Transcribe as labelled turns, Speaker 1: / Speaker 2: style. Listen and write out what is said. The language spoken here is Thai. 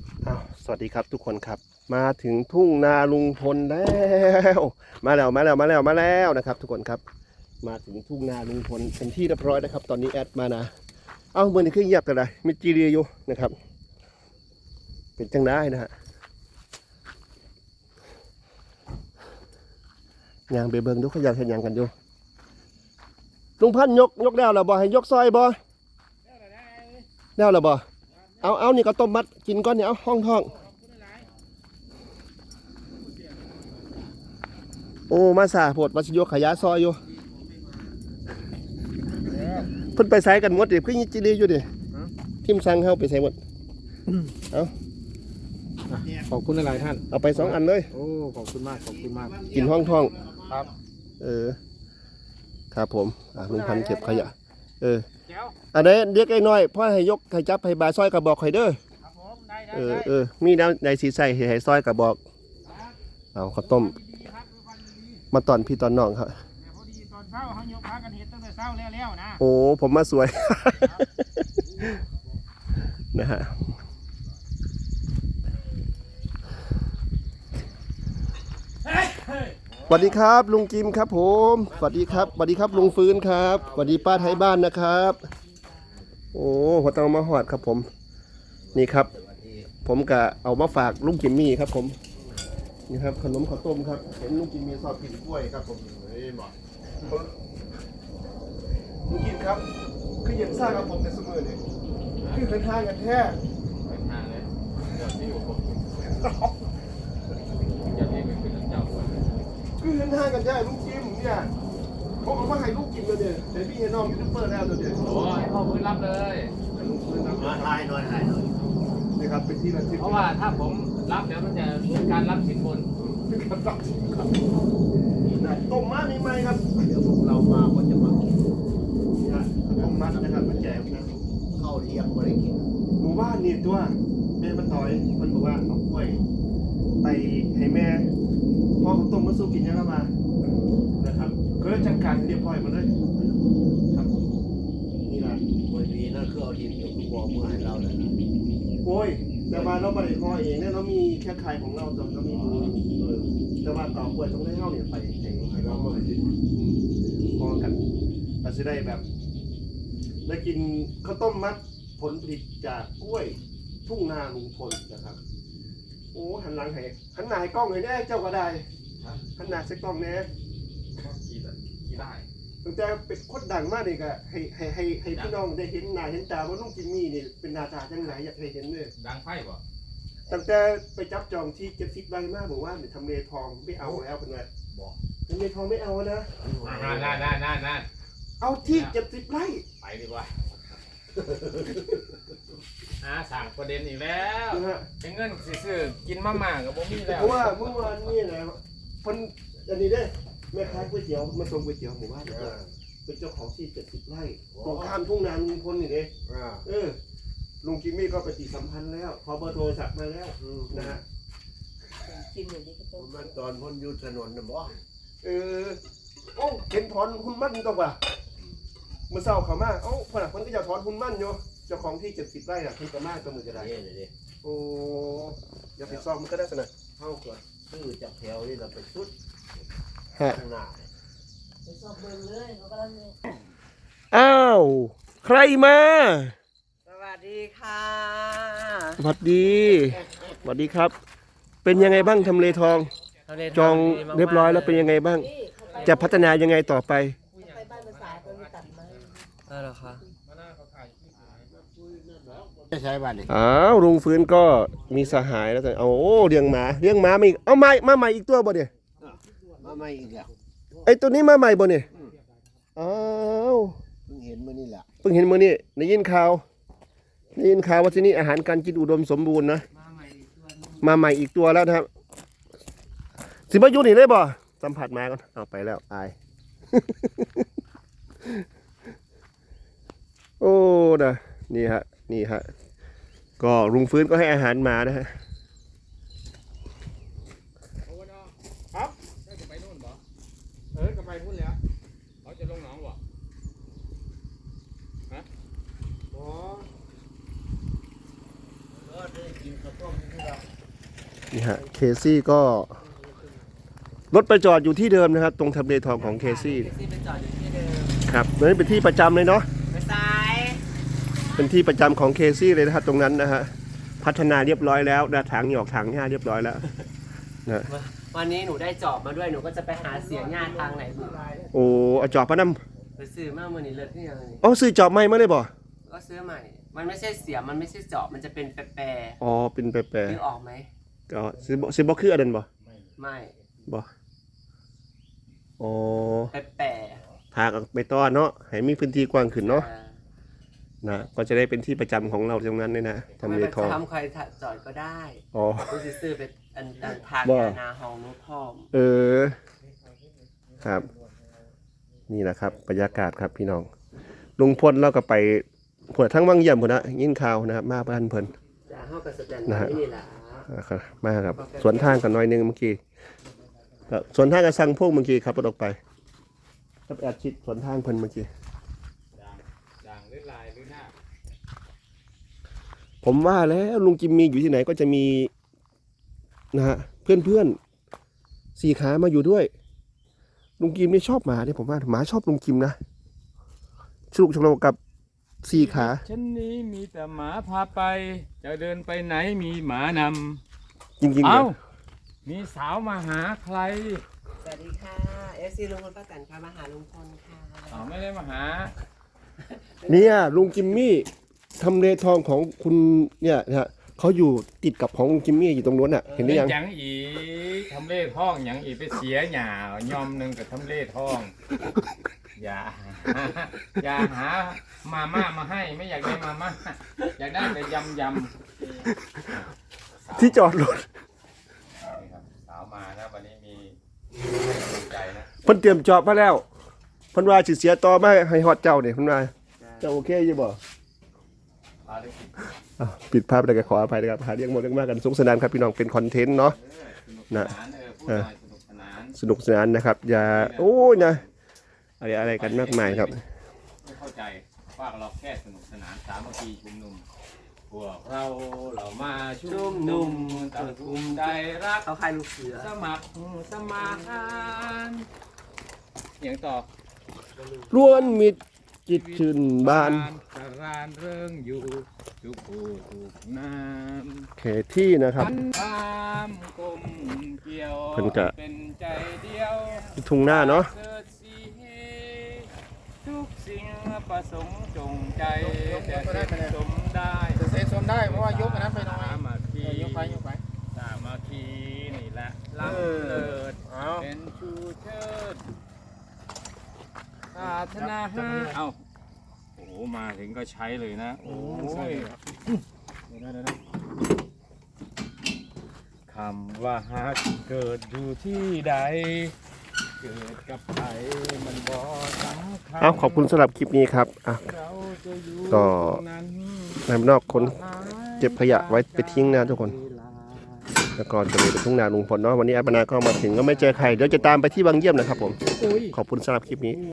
Speaker 1: สวัสดีครับทุกคนครับมาถึงทุ่งนาลุงพลแล้วมาแล้วนะครับทุกคนครับมาถึงทุ่งนาลุงพลเป็นที่เรียบร้อยนะครับตอนนี้แอดมานะเมื่อนี้ขึ้นเงียบกันเลยมีจีเรียอยู่นะครับเป็นจังได้นะฮะยางเบเบิงดูเขาอยากเห็นยางกันอยู่ลุงพันยกแล้วเหรอบ่ให้ยกซอยบ่แล้วเหรอบ่เอานี่ก็ต้มมัดกินก้อนเนี่ยเอาห้องโอ้มาสาโพดมาชิโยขยะซอยอยู่เพิ่นไปใส่กันหมดดิเพิ่งยิจิรีอยู่ดิทิมสั่งเข้าไปใส่หมดเอา
Speaker 2: ขอบคุณหลายท่าน
Speaker 1: เอาไป2 อันเลย
Speaker 2: โอ้ขอบคุณมาก
Speaker 1: กินห้อง
Speaker 2: ครับ
Speaker 1: ครับผมลุงพันเก็บขยะอันนี้เด็กไอ้น้อยพ่อให้ยกให้จับให้บาซอยกระบอกไข่เด้อมีน้ำในสีใส่ให้ซอยกระบอกเอาข้าวต้มมาตอนพี่ตอนน้องครับ
Speaker 3: พอดีตอนเช้าเขายกพากันเห็ดตั้งแต่เช้าแล้วนะ
Speaker 1: โอ้ผมมาสวย นะฮะสวัสดีครับลุงกิมครับผมสวัสดีครับลุงฟื้นครับสวัสดีป้าไทยบ้านนะครับโอ้หัวเตามาหอดครับผมนี่ครับผมก็เอามาฝากลุงกิมมี่ครับผมนี่ครับขนมข้าวต้มครับเห็นลุงกิมมี่ชอบกินกล้วยครับผมลุงกิมครับคือเย็นซ่าครับผมในสมือเนี่ยคือเป็นทางกันแท้
Speaker 2: ทางเลยเดี๋ยวที่อยู่ผมอย่าเรียกเป็นเจ้า
Speaker 1: คือเป็นทางกันแท้ลุงกิมเนี่ยผมเอามาให้ลุงกิมเลยเนี่ยเดี๋ยวพี่เห็นน้องยูทูบเบอร์แล้วเดี๋ยว
Speaker 2: โอ้ยเข้าพื้นรับเลย
Speaker 1: ถ่ายหน่อยนี่ครับเป็นที่ระลึก
Speaker 2: เพราะว่าถ้าผมรับเดี๋ยวมันจะเป็นการรับสินบน
Speaker 1: ต้มมัดมีไหมครับเดี๋ยวพวกเรามาก็จะมากินต้มมัดนะครับมันแจกนะเข้าเที่ยงไม่ได้กินหมู่บ้านนี่ตัวแม่มันต่อยมันบอกว่าเอากล้วยไปให้แม่พ่อเขาต้มมาสู้กินยังไงมานะครับก็เลยจัดการเรียบร้อยมาเลยครับนี่แหละ
Speaker 4: วันนี้นั่นคือเอาทีมอยู่ทุกวงเมื่อให้เราเลยนะ
Speaker 1: โอ้ยแต่มาเราไม่ได้พอเองเนี่ยเรามีแค่ใครของเราจนเรามีแต่ว่าต่อกล้วยต้องได้เข้าเนี่ยไปให้เราไม่ได้พอกันเราจะได้แบบได้กินข้าวต้มมัดผลผลิตจากกล้วยทุ่งนาลุงพลนะครับโอ้หันหลังให้หันหน้าให้กล้องให้แน่เจ้าก็ได้หันหน้าใส่กล้องแน่
Speaker 2: กี่ได้
Speaker 1: ตั้งแต่เป็นคนดังมากเลยก็ให้พี่น้องได้เห็นหน้าเห็นตาว่าลุงจิมมี่นี่เป็นหน้าตาจังไหนอยากให้เห็นเลย
Speaker 2: ดังไพ่ป่ะ
Speaker 1: ตั้งแต่ไปจับจองที่70 ไร่มากบอกว่าเดี๋ยวทำเลทองไม่เอาแล้วเป็นไงบอกทำเลทองไม่เอานะ
Speaker 2: นั่น
Speaker 1: เอาที่70 ไร่
Speaker 2: ไปดีกว่าสั่งประเด็นอีกแล้วเงินซื้อกินมาม่ากับบ่มีแล้ว
Speaker 1: เพราะว่าเมื่อวานนี่นะคนอันนี้ได้แม่ค้าก๋วยเตี๋ยวมาส่งก๋วยเตี๋ยวหมู่บ้านเป็นเจ้าของที่70 ไร่ตรงข้ามทุ่งนาลุงพลนี่เองลุงกิมมี่ก็ปฏิสัมพันธ์แล้วขอเบอร์โทรศัพท์มาแล้วนะฮะ
Speaker 4: กินอย่างนี้ก็ต้องมันตอนพ้นยุทธถนนนะบ่
Speaker 1: โอ้เห็นถอนหุ้นมั่นตรงป่ะเมื่อเช้าเขามาพนักคนก็จะถอนหุ้นมั่นอยู่เจ้าของที่70 ไร่น่ะคุณก็มาตัวมือจะได้โอ้อย่าไปซ่อมมันก็ได้สนะ
Speaker 4: เท่ากับชื่อจากแถวนี่เราไปชุดข้างหน้า
Speaker 3: ไปสอบเบิ่งเลยเขากำลัง
Speaker 1: อ้าวใครมา
Speaker 3: สวัสดีค่ะ
Speaker 1: สวัสดีครับ เป็นยังไงบ้างทำเลทองจองเรียบร้อยแล้วเป็นยังไงบ้างจะพัฒนายังไงต่อไป
Speaker 3: เหรอคะ
Speaker 4: จะใช้บ้านนี่
Speaker 1: ลุงฟื้นก็มีสหายแล้วแต่เลี้ยงหมาไม่เอามาใหม่อีกตัวบ่เนี่ย
Speaker 4: มาใหม่อีกแล้ว
Speaker 1: ไอ้ตัวนี้มาใหม่บ่เนี่ยเ
Speaker 4: พิ่งเห็นมื้อนี้แหละ
Speaker 1: ได้ยินข่าวว่าที่นี่อาหารการกินอุดมสมบูรณ์นะมาใหม่อีกตัวแล้วนะครับสิมาอยู่นี่ได้บ่สัมผัสมาก่อนเอาไปแล้วอาย โอ้นะนี่ฮะก็ลุงฟื้นก็ให้อาหารมานะฮะ
Speaker 2: ครับจะไปนู่นบ่ก็ไปพุ่นแล้วเขาจะลงหนองบ่ฮะ
Speaker 4: ได้กินข้าว
Speaker 1: นี่ฮะเคซี่ก็รถไปจอดอยู่ที่เดิมนะครับ ตรงทำเลทองของเคซี่
Speaker 5: ที่เป็นจอดอยู่ที่เดิม
Speaker 1: ครับนั่นเป็นที่ประจำเลยเนาะ
Speaker 5: ไปซ้าย
Speaker 1: เป็นที่ประจำของเคซี่เลยนะครับตรงนั้นนะฮะพัฒนาเรียบร้อยแล้วนะถังหยอกถังหญ้าเรียบร้อยแล้วนะ
Speaker 5: วันนี้หนูได้จอบมาด้วยหนูก็จะไปหาเสียงงานทางไหนบุ
Speaker 1: โอ้เอาจอบมาน
Speaker 5: ไปซื้อมาเมื่อนี้เลิศที่ยังไง
Speaker 1: ำอ๋อซื้อจอบใหม่มาเลยบ่
Speaker 5: ก็ซื้อใหม่ มันไม่ใช่เสียมมันไม่ใช่จอบมันจะเป็นแปร
Speaker 1: อ๋อเป็นแปร
Speaker 5: ๆนึกออกไหม
Speaker 1: ๆก็ซื้อบ่คืออันนั้นบ่
Speaker 5: ไม่
Speaker 1: บ่อ๋อ
Speaker 5: แปร
Speaker 1: ทางไปต้อนเนาะให้มีพื้นที่กว้างขึ้น
Speaker 5: ๆ
Speaker 1: เนาะนะก็จะได้เป็นที่ประจำของเราตรงนั้นเลยนะ
Speaker 5: ทำไม
Speaker 1: ทำเล
Speaker 5: ไป
Speaker 1: ทอง
Speaker 5: ทำใครจอดก็ได้
Speaker 1: อ๋อ
Speaker 5: กูสิซื้อเป็นอันทาง
Speaker 1: ว่า
Speaker 5: นาห้องนู้พร้อม
Speaker 1: เออครับ นี่แหละครับบรรยากาศครับพี่น้องลุงพลเราก็ไปพวดทั้งวังเยี่ยมพุ่นนะยินข่าวนะครับมาบ้านเพิ่น
Speaker 5: จะเข้ากับสแตน
Speaker 1: นะ
Speaker 5: ไว้
Speaker 1: ฮะ
Speaker 5: นี่แหละ
Speaker 1: ครับมาครับสวนทางกันหน่อยหนึงเมื่อกี้ก็สวนทางกับสังพวกเมื่อกี้ครับรถออกไปก็แอดชิดสวนทางเพิ่นเมื่อกี้
Speaker 2: ด่างหรือลายหรือหน้า
Speaker 1: ผมว่าแล้วลุงจิมมีอยู่ที่ไหนก็จะมีนะฮะเพื่อนๆสี่ขามาอยู่ด้วย ลุงจิมนี่ชอบหมาเนี่ยผมว่าหมาชอบลุงจิมนะสนุกสนุกกับสี่ขา
Speaker 2: ฉันนี้มีแต่หมาพาไป จะเดินไปไหนมีหมานำ
Speaker 1: จริงๆ
Speaker 2: เอ้า
Speaker 1: เนี่ย
Speaker 2: มีสาวมาหาใคร
Speaker 5: สวัสดีค่ะ FC ลุงพลป้าแตนค่ะมาหาลุงพลค่ะ
Speaker 2: อ๋อไม่ได้มาหา
Speaker 1: เนี่ยลุงจิมมี่ทำเลทองของคุณเนี่ยนะฮะเขาอยู่ติดกับของลุงจิมมี่อยู่ตรงนู้นอ่ะเห็นหรือยัง
Speaker 2: อย่างอีทำเล่ท้องอย่างอีไปเสียหยายอมหนึ่งกับทำเล่ท้อง อย่า อย่าหามาม่ามาให้ไม่อยากได้มาม่าอยากได้แต่ยำ
Speaker 1: ที่จอดรถ
Speaker 2: นี่ครับสาวมานะวันนี้มีใจนะ
Speaker 1: เพิ่นเตรียมจอบมาแล้วเพิ่นว่าสิเสียต่อมาให้ฮอดเจ้าเนี่ยเพิ่นว่าเจ้าโอเคอยู่บ่
Speaker 2: พาได้กิน
Speaker 1: อ้าวปิดภาพแล้วก็ขออภัยนะครับหาเรื่องหมดเรื่องมากกันสนุกสนานครับพี่น้องเป็นคอนเทนต์เนาะ
Speaker 2: สนุกสนานพูดหน่อยสนุกสนาน
Speaker 1: สนุกสนานนะครับ อย่าโอ้ยนะอะไรกันมากมายครับ
Speaker 2: ไม่เข้าใจว่าเราแค่สนุกสนานสามัคคีชุมนุมพวกเรามาชุมนุมต่างกลุ่มใจรัก
Speaker 5: เขาใครลูกเสือ
Speaker 2: สมัครสมานอย่างต่อ
Speaker 1: ล้วนมิตรจิตชื่นบาน
Speaker 2: สรานเริงอยู่ทุกผู้ทุกน้
Speaker 1: เขตที่นะ
Speaker 2: ำ
Speaker 1: ครับ
Speaker 2: ความกลมเกี่ยว
Speaker 1: เพิ่นก็
Speaker 2: เป็นใจเดียว
Speaker 1: ทุ่งหน้าเนาะ
Speaker 2: เกิดสีทุกสิ่งประสงค์จงใจแต่เสร็จสมได้
Speaker 3: เซ็นชมได้เพราะว่ายกอันนั้นไปหน่อย
Speaker 2: สามัคคี
Speaker 3: ยกไปยกไป
Speaker 2: สามัคคีนี่แหละล้ำเลิศ
Speaker 3: เอา
Speaker 2: เป็นชูเชิดปรารถนาหาเอ้าโอ้โหมาถึงก็ใช้เลยนะ โอ้ยคำว่าฮักเกิดอยู่ที่ใด เกิดกับใครมันบ่สำคัญ
Speaker 1: เอาขอบคุณสำหรับคลิปนี้ครับอ่ะ
Speaker 2: เราจะอยู่
Speaker 1: ก็
Speaker 2: ตรงนั้น
Speaker 1: นายนอกคนเก็บขยะไว้ไปทิ้งนะทุกคน แล้วก็จะมีไปทุ่งนาลุงพลเนาะวันนี้อัปนาก็มาถึงก็ไม่เจอใครเดี๋ยวจะตามไปที่บางเยี่ยมนะครับผม ขอบคุณสำหรับคลิปนี้